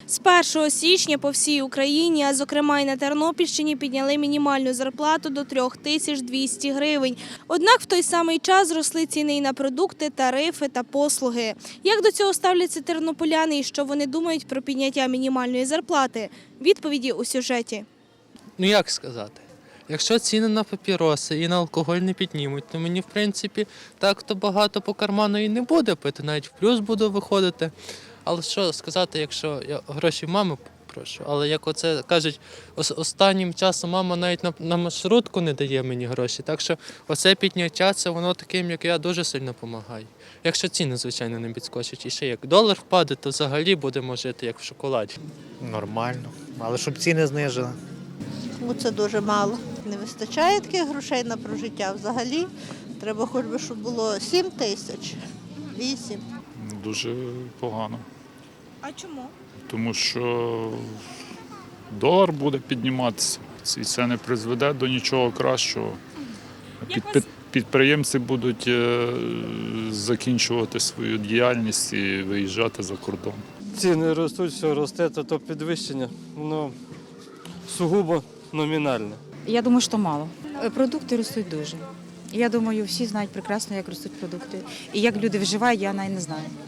З 1 січня по всій Україні, а зокрема і на Тернопільщині, підняли мінімальну зарплату до 3200 гривень. Однак в той самий час зросли ціни і на продукти, тарифи та послуги. Як до цього ставляться тернополяни і що вони думають про підняття мінімальної зарплати? Відповіді у сюжеті. Ну як сказати? Якщо ціни на папіроси і на алкоголь не піднімуть, то мені, в принципі, так-то багато по карману і не буде пити, навіть в плюс буду виходити. Але що сказати, якщо я гроші в мами прошу, але як оце кажуть, останнім часом мама навіть на маршрутку не дає мені гроші, так що оце підняття, це воно таким, як я, дуже сильно допомагає. Якщо ціни, звичайно, не підскочать. І ще як долар впаде, то взагалі будемо жити як в шоколаді. Нормально, але щоб ціни знижили. Це дуже мало. Не вистачає таких грошей на прожиття взагалі. Треба хоч би, щоб було 7 тисяч, 8. Дуже погано, А чому? тому що долар буде підніматися, і це не призведе до нічого кращого. Підприємці будуть закінчувати свою діяльність і виїжджати за кордон. Ціни ростуть, все росте, то підвищення, воно сугубо номінальне. Я думаю, що мало. Продукти ростуть дуже. Я думаю, всі знають прекрасно, як ростуть продукти. І як люди вживають, я навіть не знаю.